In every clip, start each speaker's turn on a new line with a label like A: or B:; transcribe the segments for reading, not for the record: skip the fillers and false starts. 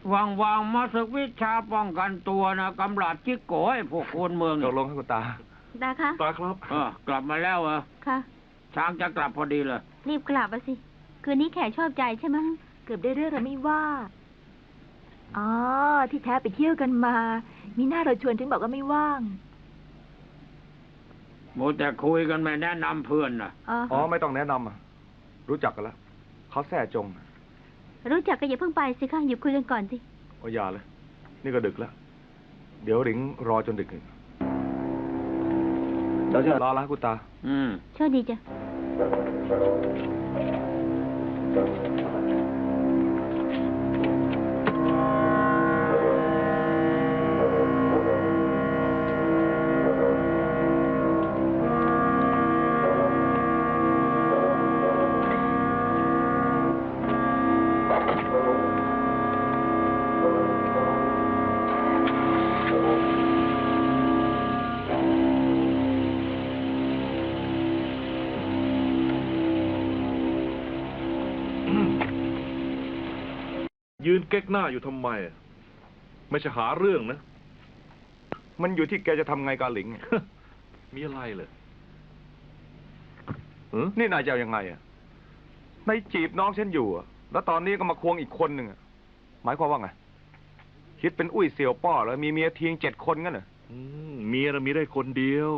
A: วางมาศึกวิชาป้องกันตัวนะกำลัดจิกโก้ให้พวกคนเมือง
B: ตกลงให้คุณตา
C: ตาคะ
D: ตาครับ
A: กลับมาแล้วเหรอ
C: ค่ะ
A: ช้างจะกลับพอดีเลย
C: รีบกลับมาสิ คืนนี้แขกชอบใจใช่ไหม
E: เกือบได้เรื่องแล้วไม่ว่า อ๋อ ที่แท้ไปเที่ยวกันมา มีหน้าเราชวนถึงบอกว่าไม่ว่าง
A: โมแต่คุยกันไม่แนะนำเพื่อนนะ
B: อ๋อไม่ต้องแนะนำอะรู้จักกันแล้วเขาแท้จง
C: รู้จักก็อย่าเพิ่งไปสิคะอยู่คุยกันก่อนสิ
B: โอ้ยอย่าเลย นี่ก็ดึกแล้ว เดี๋ยวหลิงรอจนดึกอีกเดี๋ยวจะรอแล้วคุณตา
C: โชคดีจ้ะ
D: ยืนเก๊กหน้าอยู่ทำไม ไม่ใช่หาเรื่องนะ
B: มันอยู่ที่แกจะทำไงกับหลิง
D: มีอะไรเลย
B: นี่นายจะเอายังไงอ่ะนายจีบน้องฉันอยู่อะแล้วตอนนี้ก็มาควงอีกคนหนึ่งอะหมายความว่าไง คิดเป็นอุ้ยเสี่ยวป้อแล้วมีเมียเทียง7 คนงั้นเหรอ
D: เมียเรามีได้คนเดียว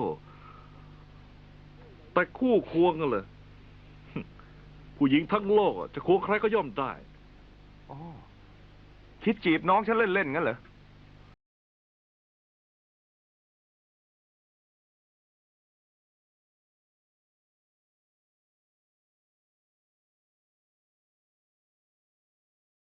D: แต่คู่ควงกันเลย ผู้หญิงทั้งโลกจะควงใครก็ย่อมได้
B: คิดจีบน้องฉันเล่นๆงั้นเหรอ